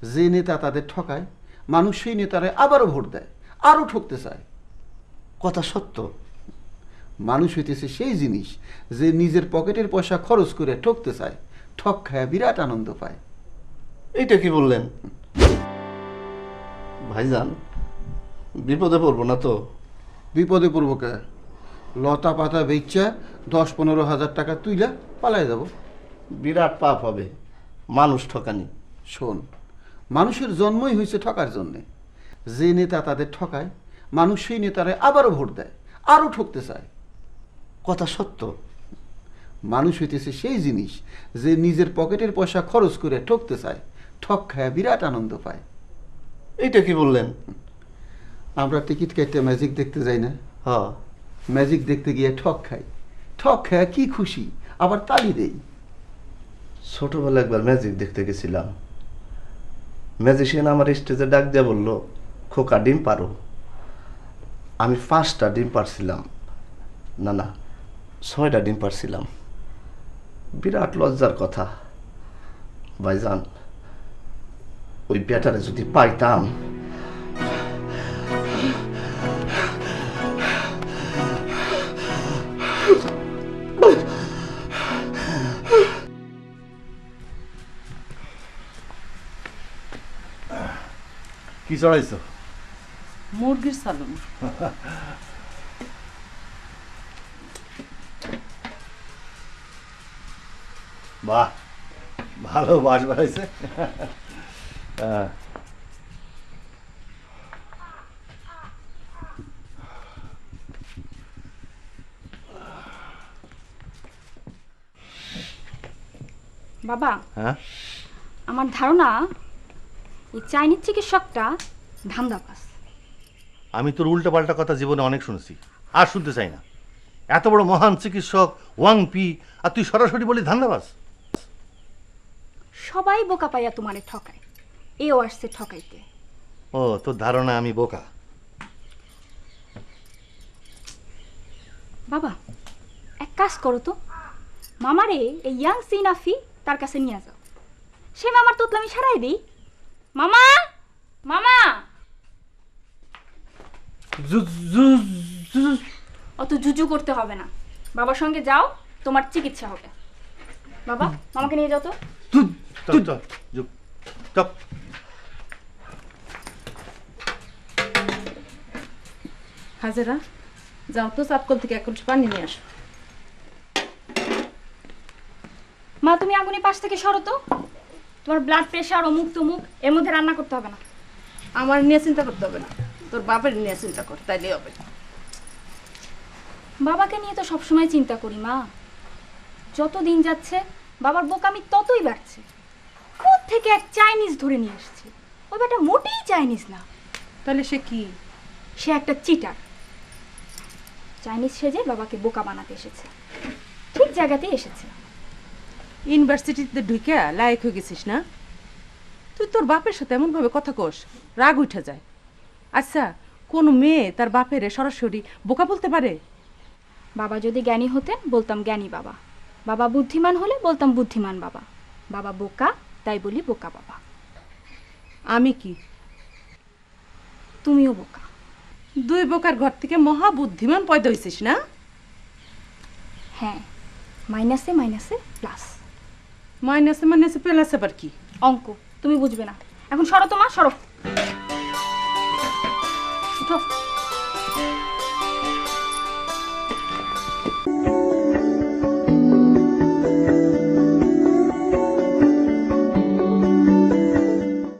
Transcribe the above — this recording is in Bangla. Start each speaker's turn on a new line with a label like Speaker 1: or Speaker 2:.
Speaker 1: যে নেতা তাদের ঠকায়, মানুষ সেই নেতারে আবারও ভোট দেয়, আরও ঠকতে চায়।
Speaker 2: কথা সত্য।
Speaker 1: মানুষ হইতেছে সেই জিনিস যে নিজের পকেটের পয়সা খরচ করে ঠকতে চায়, ঠক খায় বিরাট আনন্দ পায়।
Speaker 2: এইটা কি বললেন ভাইজান? বিপদে পড়বো না তো?
Speaker 1: বিপদে পড়বো কে? লতা পাতা বেচা 10-15 হাজার টাকা তুইলা পালায় যাব।
Speaker 2: বিরাট পাপ হবে মানুষ ঠকানি।
Speaker 1: শোন, মানুষের জন্মই হয়েছে ঠকার জন্যে। যে নেতা তাদের ঠকায়, মানুষ সেই নেতারে আবারও ভোট দেয়, আরও ঠকতে চায়।
Speaker 2: কথা সত্য।
Speaker 1: মানুষ হইতেছে সেই জিনিস যে নিজের পকেটের পয়সা খরচ করে ঠকতে চায়, ঠক খায় বিরাট আনন্দ পায়।
Speaker 2: এইটা কি বললেন?
Speaker 1: আমরা টিকিট কেটে ম্যাজিক দেখতে যাই না?
Speaker 2: হ্যাঁ।
Speaker 1: ম্যাজিক দেখতে গিয়ে ঠক খাই, ঠক খায় কি খুশি, আবার তালি দেই।
Speaker 2: ছোটবেলা একবার ম্যাজিক দেখতে গেছিলাম। ম্যাজিশিয়ান আমার স্টেজে ডাক দিয়ে বলল, খোকা ডিম পারো। আমি 5টা ডিম পারছিলাম, না 6টা ডিম পারছিলাম। বিরাট লজ্জার কথা ভাইজান। ওই ব্যাটারে যদি পাইতাম।
Speaker 3: কি চড়াইছো?
Speaker 4: মুরগির সালুন।
Speaker 3: বাহ, ভালো বাস বাড়াইছে।
Speaker 4: বাবা,
Speaker 3: হ্যাঁ,
Speaker 4: আমার ধারণা এই চাইনিজ চিকিৎসকটা ধান্দাবাজ।
Speaker 3: আমি তোর উল্টো পাল্টা কথা জীবনে অনেক শুনেছি, আর শুনতে চাই না। এত বড় মহান চিকিৎসক ওয়াং পি, আর তুই সরাসরি বলি ধান্দাবাজ।
Speaker 4: সবাই বোকা পাইয়া তোমারে ঠকায়, এও আসছে ঠকাইতে।
Speaker 3: ও, তোর ধারণা আমি বোকা?
Speaker 4: বাবা, এক কাজ করো তো, মামারে এই ইয়াং সিনাফি তার কাছে নিয়ে যাও। সে মামার তোতলামি সারাই দিই। মামা, মামা, অত জুজু করতে হবে না। বাবার সঙ্গে যাও, তোমার চিকিৎসা হবে। বাবা, মামাকে নিয়ে যাও তো।
Speaker 3: চল চল চল।
Speaker 5: হাজেরা, যাও তো চাপকল থেকে 1 কলসি পানি নিয়ে আসো।
Speaker 4: মা, তুমি আগুনের পাশ থেকে সরো তো। তোমার ব্লাড প্রেশার, অমুক তমুক, এর মধ্যে রান্না করতে হবে না।
Speaker 5: আমার নিয়ে চিন্তা করতে হবে না, তোর বাপের নিয়ে চিন্তা কর, তাইলে হবে।
Speaker 4: বাবাকে নিয়ে তো সবসময় চিন্তা করি মা। যত দিন যাচ্ছে বাবার বোকামি ততই বাড়ছে। থেকে এক চাইনিজ ধরে নিয়ে আসছে। ওই বেটা মোটেই চাইনিজ না।
Speaker 5: তাহলে সে কি?
Speaker 4: সে একটা চিটার। চাইনিজ সেজে বাবাকে বোকা বানাতে এসেছে। ঠিক জায়গাতেই এসেছে।
Speaker 5: ইউনিভার্সিটিতে ঢুকে লায়ক হয়ে গেছিস না? তুই তোর বাপের সাথে এমন ভাবে কথা কোস, রাগ উঠে যায়। আচ্ছা, কোন মেয়ে তার বাপের সরাসরি বোকা বলতে পারে?
Speaker 4: বাবা যদি জ্ঞানী হতেন বলতাম জ্ঞানী বাবা, বাবা বুদ্ধিমান হলে বলতাম বুদ্ধিমান বাবা, বাবা বোকা তাই বলি বোকা বাবা।
Speaker 5: আমি কি?
Speaker 4: তুমিও বোকা।
Speaker 5: 2 বোকার ঘর থেকে মহা বুদ্ধিমান পয়দা হইছিস না?
Speaker 4: হ্যাঁ, মাইনাসে মাইনাসে প্লাস।
Speaker 5: মাইনাসে মাইনাসে প্লাস আবার কি?
Speaker 4: অঙ্ক তুমি বুঝবে না। এখন সরো তো মা, সরো। উঠো।